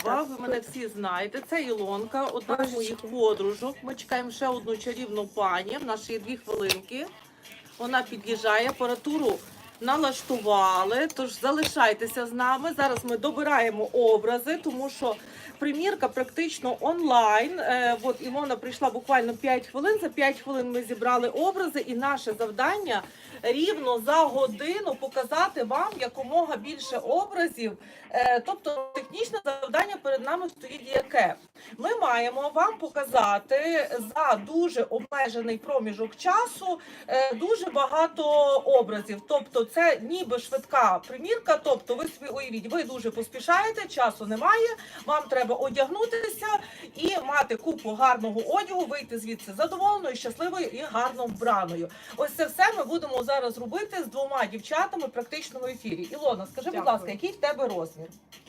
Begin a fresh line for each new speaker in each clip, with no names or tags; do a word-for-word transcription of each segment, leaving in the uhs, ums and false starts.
Слава, ви мене всі знаєте. Це Ілонка, одна з моїх подружок. Ми чекаємо ще одну чарівну пані. В нас є дві хвилинки. Вона під'їжджає, апаратуру налаштували, тож залишайтеся з нами. Зараз ми добираємо образи, тому що примірка практично онлайн. Е, от Ілона прийшла буквально п'ять хвилин, за п'ять хвилин ми зібрали образи, і наше завдання рівно за годину показати вам якомога більше образів. Е, тобто технічне завдання перед нами стоїть яке? Ми маємо вам показати за дуже обмежений проміжок часу е, дуже багато образів. Тобто це ніби швидка примірка, тобто ви собі уявіть, ви дуже поспішаєте, часу немає, вам треба одягнутися і мати купу гарного одягу, вийти звідси задоволеною, щасливою і гарно вбраною. Ось це все ми будемо зараз робити з двома дівчатами практично в ефірі. Ілона, скажи, будь ласка, який в тебе розмір?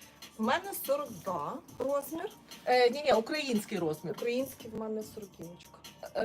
У мене сорок два розмір.
Е, ні, ні, український розмір.
Український в мене сороківочка.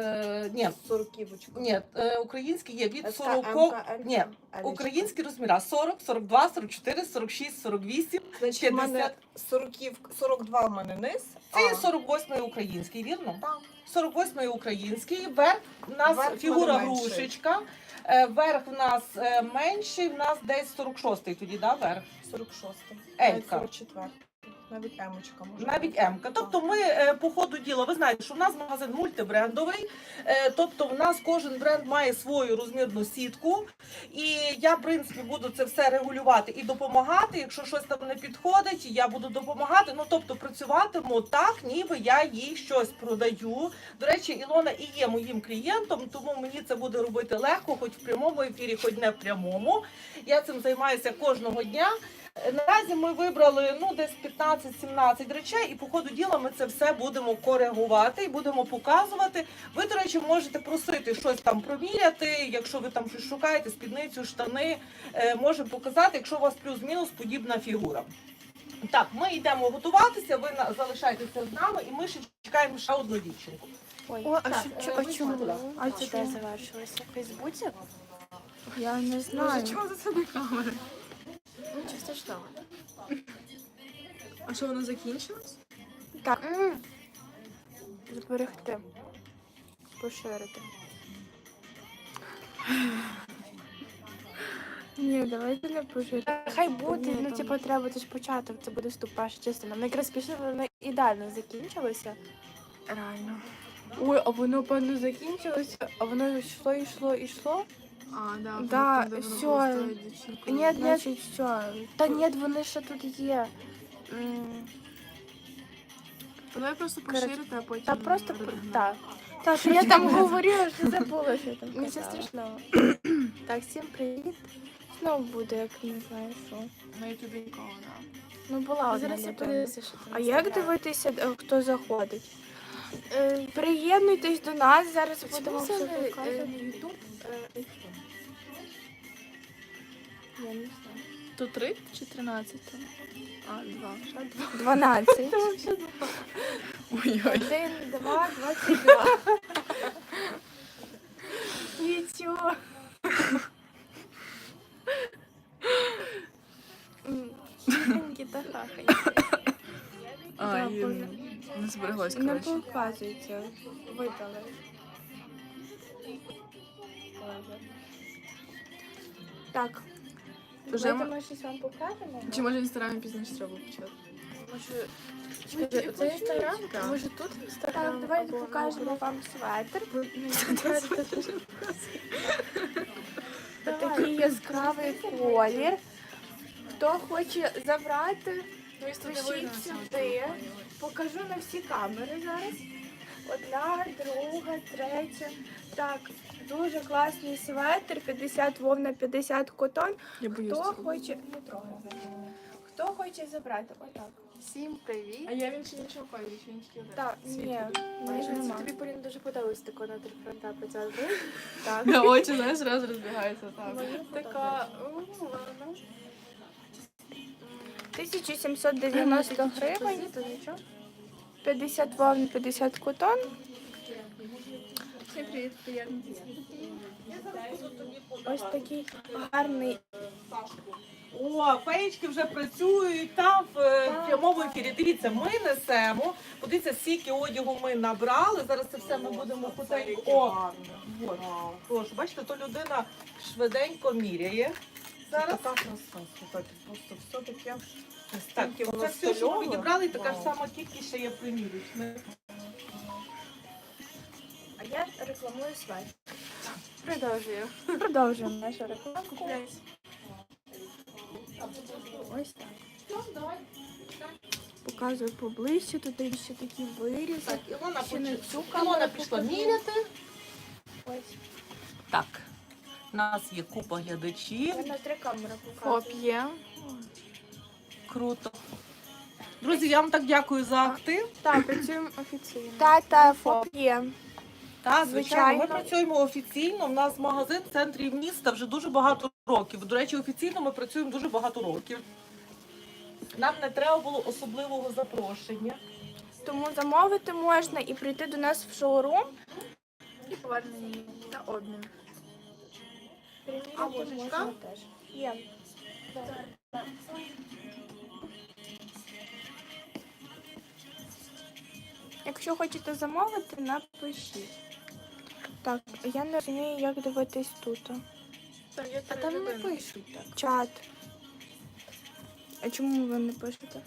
Е, ні,
Сороківочка.
ні, е, український є від
СК,
сорок.
МК, Л,
Ні,
Л.
українські розміри сорок, сорок два, сорок чотири, сорок шість, сорок вісім,
Значить, у мене
п'ятдесят.
сороків, сорок два в мене низ.
Це є
а,
сорок восьмий український, вірно?
Так.
сорок восьмий український, верх у нас
Верх
фігура
в мене менший.
грушечка, е, верх в нас е, менший, в нас десь сорок шостий тоді, да, верх?
сорок шостий.
Елька.
сорок четвертий. Навіть емочка може.
Навіть
бути.
М-ка. Тобто ми е, по ходу діла, ви знаєте, що в нас магазин мультибрендовий, е, тобто в нас кожен бренд має свою розмірну сітку, і я, в принципі, буду це все регулювати і допомагати. Якщо щось там не підходить, я буду допомагати. Ну, тобто працюватиму так, ніби я їй щось продаю. До речі, Ілона і є моїм клієнтом, тому мені це буде робити легко, хоч в прямому ефірі, хоч не в прямому. Я цим займаюся кожного дня. Наразі ми вибрали ну десь п'ятнадцять-сімнадцять речей, і по ходу діла ми це все будемо коригувати і будемо показувати. Ви, до речі, можете просити щось там проміряти, якщо ви там щось шукаєте, спідницю, штани, е, можемо показати, якщо у вас плюс-мінус подібна фігура. Так, ми йдемо готуватися, ви на- залишайтеся з нами, і ми ще чекаємо ще одну дівчинку.
Ой,
О, а
Так,
що,
е,
а
ви
чому?
сюди.
А
це
це
де завершилося? В Фейсбуці?
Я не знаю.
Чого за це не камери? Нічого страшного.
А що, воно закінчилось?
Так. Зберегти. Поширити. Ні, давайте не поширити. Хай буде,
Ні,
ну
там-
типу треба, це ж початок, це буде вступ, перша частина. Ми якраз пішли, воно ідеально закінчилося.
Реально.
Ой, а воно, певно, закінчилося, а воно йшло, йшло, йшло.
А, да,
Да,
там, де воно
всё.
було з тою дівчинкою.
Ні, ні,
Значить,
все. Та ні, вони ще тут є. М,
Давай просто
Коротше,
поширити, а потім...
Та просто
редагувати.
так. Так, я там говорила, що забула, що я там
Нічого
казала.
страшного.
Так, всім привіт. Знову буде, як не знаю що.
На ютубі нікого, да.
Ну була одна
Зараз я
людина.
подивлюся, що там.
А як дивитися, е, хто заходить? Е, Приєднуйтесь до нас, зараз будемо
Чому
все
це не
показувати.
Ютуб?
Я не знаю.
То три чи тринадцять там? А, два.
дванадцять.
Ой-ой.
Один, два, двадцять два. Нічого. М, тихенькі та хахонькі.
А,
Да,
і
Боже.
не збереглось,
Не
коротше.
показується. Видали. Так.
Вже
Давайте
ми-
ми щось вам покажемо.
Чи може інстаграмі пізніше треба почати?
Може, чекайте, це інстаграм?
Так.
Може тут інстаграм?
Так, давайте
або
покажемо вам светр.
Давай.
Такий яскравий колір. Хто хоче забрати, пишіть сюди. Покажу на всі камери зараз. Одна, друга, третя. Так, дуже класний светр, п'ятдесят вовна, п'ятдесят котон.
Я боюсь.
Хто
цього.
хоче, не трогай. Хто хоче забрати? Отак.
Всім привіт.
А я він ще нічого кольору, чи він тільки один?
Так, ні,
Майже
нема.
тобі, Поліна, дуже подобається тако на три фронта працювати.
Так.
На очі, знаєш, зразу розбігаються так.
Така, у, ладно.
тисяча сімсот дев'яносто гривень,
То нічого.
п'ятдесят вовн, п'ятдесят котон.
Всім привіт, приємно.
Ось такий гарний
О, феєчки вже працюють там в е, прямому ефірі. Дивіться, ми несемо. Подивіться, скільки одягу ми набрали. Зараз це все ми будемо потенько. О, от. Тож, бачите, то людина швиденько міряє.
Зараз
Зараз.
така краса, слухайте, просто все таке.
Так,
Настільки
це
воно
все, що ми
стильове.
відібрали, і така ж
Вау.
сама кількість ще є примірюч.
А я рекламую свай.
Продовжую.
Продовжуємо нашу рекламку. Ось так. Показую поближче, тут є ще такі вирізи.
Так, Ілона,
Ще не
поч-
цю
Ілона
камеру
пішла
покажу.
міряти.
Ось.
Так, у нас є купа глядачів.
Я на три камери показую.
Фоп є.
Круто. Друзі, я вам так дякую за актив.
Так, працюємо офіційно.
Та, та, фоп є.
Так, звичайно, ми
Звичайно.
працюємо офіційно. У нас магазин в центрі міста вже дуже багато років. До речі, офіційно ми працюємо дуже багато років. Нам не треба було особливого запрошення.
Тому замовити можна і прийти до нас в шоурум.
І повернення та обмін.
Перевірити
А ложечка?
можна теж. Є. Якщо хочете замовити, напишіть. Так, я не розумію, як дивитись тут.
Там є
А
три
там не
людини.
пишуть так.
Чат. А чому ви не пишете?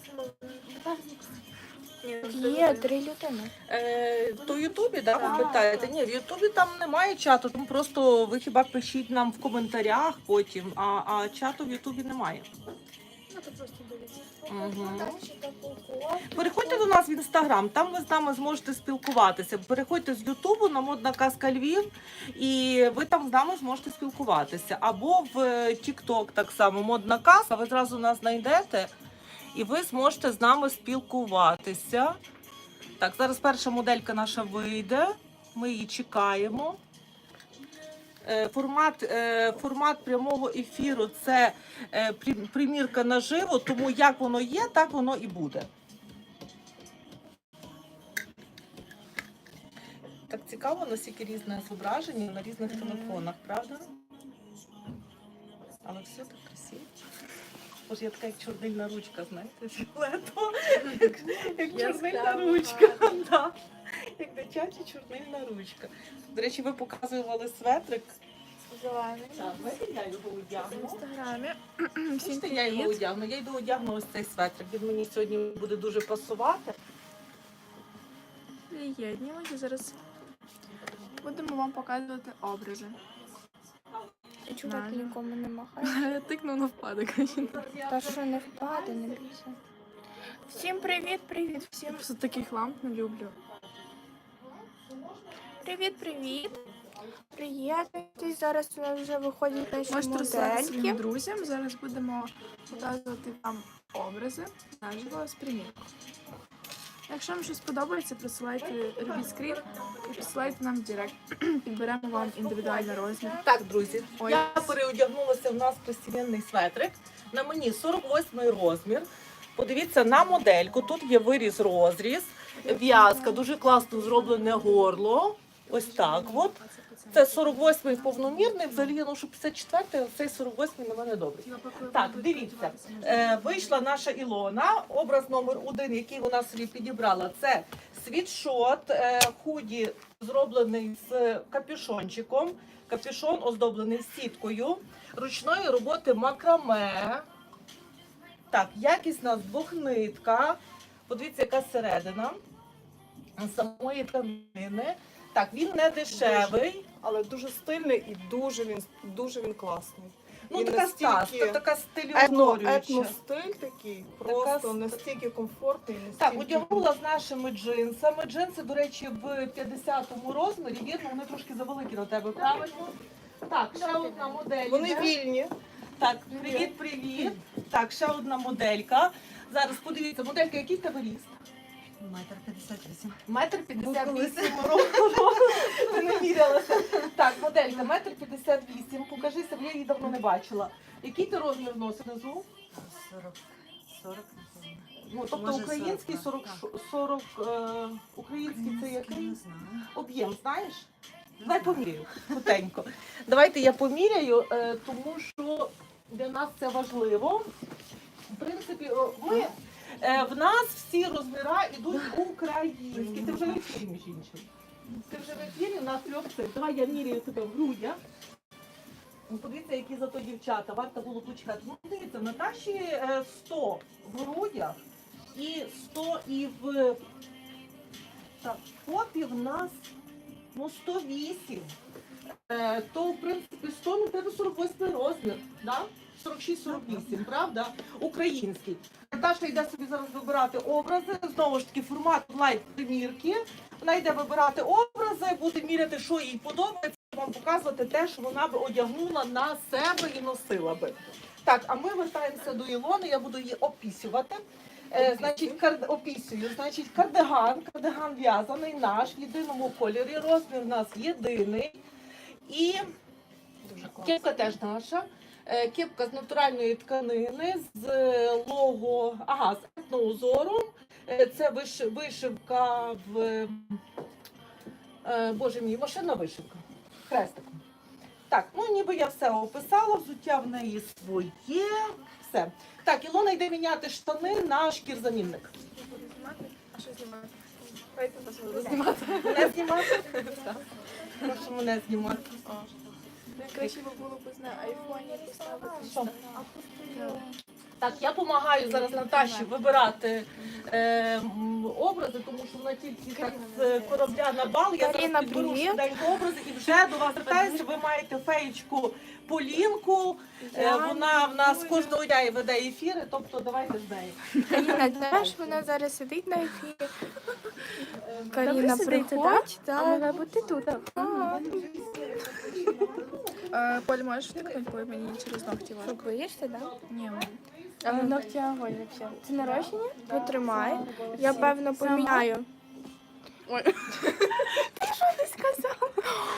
Ні, ну,
Є три людини.
Е, то в Ютубі, да, ви
Так.
питаєте? Ні, в Ютубі там немає чату, там просто ви хіба пишіть нам в коментарях потім, а, а чату в Ютубі немає.
Ну, то просто дивіться.
Угу. Переходьте до нас в інстаграм, там ви з нами зможете спілкуватися. Переходьте з Ютубу на Модна Казка Львів, і ви там з нами зможете спілкуватися. Або в Тікток так само Модна Казка, ви зразу нас знайдете і ви зможете з нами спілкуватися. Так, зараз перша моделька наша вийде, ми її чекаємо. Е, Формат, е, формат прямого ефіру – це е, прим- примірка наживо, тому як воно є, так воно і буде. Так цікаво, наскільки різне зображення на різних телефонах, правда? Але все так красиво. Боже, я така як чорнильна ручка, знаєте, фіолетова, як, як чорнильна
Яскрава,
ручка. Да. Як дитяча чорнильна ручка. До речі, ви показували светрик.
Зелений.
Так, бачите, я його
В
одягну.
інстаграмі. Всім
Бачите, я його
привіт.
одягну. Я йду одягну ось цей светрик. Він мені сьогодні буде дуже пасувати.
Приєднуємося. Зараз будемо вам показувати образи.
І чувак
Нормально.
нікому не махає.
Я тикну на впадок.
Та що не впаде, не бійся. Всім привіт, привіт, всім.
Я просто таких ламп не люблю.
Привіт, привіт. Приєднуйтесь, зараз у нас вже виходять наші
Можете розсилати своїм
модельки.
друзям. Зараз будемо показувати вам образи наживо з примірок. Якщо вам щось подобається, присилайте, робіть скрін і присилайте нам в директ. Підберемо вам індивідуальний розмір.
Так, друзі,
Ой.
я переодягнулася в нас постійний светрик. На мені сорок восьмий розмір. Подивіться на модельку. Тут є виріз розріз, в'язка, дуже класно зроблене горло. Ось так от. Це сорок восьмий повномірний, взагалі я ношу п'ятдесят четвертий, а цей сорок восьмий на мене добрий. Так, дивіться, е, вийшла наша Ілона, образ номер один, який вона собі підібрала, це світшот, е, худі зроблений з капюшончиком, капюшон оздоблений сіткою, ручної роботи макраме. Так, якісна двохнитка, подивіться, яка середина самої тканини. Так, він не дешевий.
Але дуже стильний і дуже він, дуже він класний.
Ну,
Він
така стас,
настільки
така
Етно,
стилююча.
етностиль такий, просто
с-
настільки комфортний,
Так,
настільки...
одягнула з нашими джинсами. Джинси, до речі, в п'ятдесятому розмірі. Вірно, вони трошки завеликі на тебе, правильно? Так, ще одна модель.
Вони
йде.
вільні.
Так, привіт, привіт. Так, ще одна моделька. Зараз подивіться, моделька, який в тебе ріст?
Метр п'ятдесят вісім.
Метр п'ятдесят вісім років. Ти не мірялася. Так, моделька, метр п'ятдесят вісім. Покажися, бо я її давно не бачила. Який ти розмір носиш внизу?
Сорок. Сорок, напевно.
Ну, тобто
Може,
український
сорок,
сорок, сорок е, український це який?
Не знаю.
Об'єм, знаєш? Давай поміряю, хутенько. Давайте я поміряю, е, тому що Для нас це важливо. В принципі, о, ми, е, в нас всі розміри йдуть українські. Ти вже в ефірі, між іншим. Ти вже в ефірі на трьох цих. Давай я міряю тебе в грудях. Ну, подивіться, які зато дівчата, варто було почекати. Ну, дивіться, в Наташі е, сто в грудях і сто і в... Так, в попі в нас ну, сто вісім. Е, то, в принципі, сто, ну, тебе сорок восьмий розмір, да? сорок шість сорок вісім, правда? Український. Наташа йде собі зараз вибирати образи, знову ж таки, формат онлайн-примірки. Вона йде вибирати образи, буде міряти, що їй подобається, вам показувати те, що вона би одягнула на себе і носила би. Так, а ми вертаємося до Ілони, я буду її опісювати. Е, значить, кар... опісюю, значить, кардиган, кардиган в'язаний наш, в єдиному кольорі, розмір у нас єдиний. І кепка теж наша. Е, Кепка з натуральної тканини, з е, лого, ага, з етноузором. Е, Це виш... вишивка в, е, боже мій, машинна вишивка, хрестиком. Так, ну ніби я все описала, взуття в неї своє, все. Так, Ілона йде міняти штани на шкірзамінник.
А що знімати? Давайте вас буду знімати.
Не знімати? Прошу мене знімати.
Краще би було б на айфоні поставити.
Що? Так, я допомагаю зараз Наташі вибирати е, м, образи, тому що вона тільки так з корабля на бал. Я зараз
Каріна,
підберу
привіт.
швиденько образи і вже до вас звертаюся. Ви маєте феєчку Полінку. Е, вона в нас кожного дня веде ефіри, тобто давайте з нею.
Каріна теж, вона зараз сидить на ефірі. Каріна,
сидите,
приходь.
А має бути тут.
Ага.
Поль, можеш втикнути, бо мені через ногті
Що,
важко.
боїшся, так?
Ні,
Але ногті огонь взагалі. Це нарощення?
Потримай. Я, певно, поміняю. Ой. Ти що не сказала?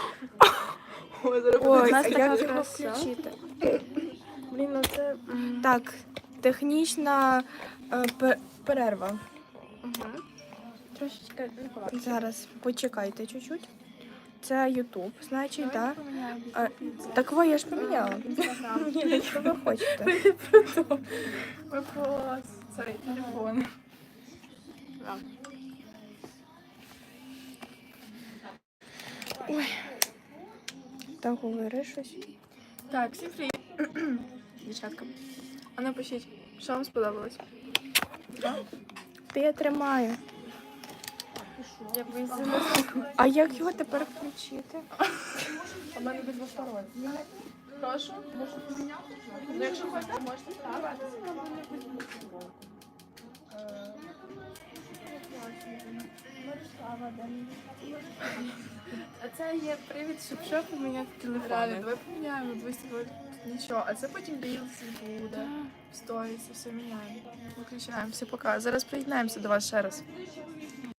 Ой,
нас
а
така
як його
краса.
включити?
Блін, ну це...
Так, технічна е, пе- перерва.
Трошечки не ховати.
Зараз почекайте чуть-чуть. Це Ютуб, значить, так? Да? Так ви, я ж поміняла. Ні, що ви хочете?
Вопрос. Сорі, телефон.
Так, говори щось.
Так, всім привіт. Дівчатка. А напишіть, що вам сподобалось?
Та я тримаю.
Я боюсь.
А як його тепер включити?
У мене безвостороннє. Прошу. Можете поміняти? Ну, якщо хочете, можете ставити.
А це є привід, щоб що поміняти
Реально,
телефон.
давай поміняємо, двісті буде нічого. А це потім рілси буде, в сторіс, все міняємо. Виключаємо, все пока. Зараз приєднаємося до вас ще раз.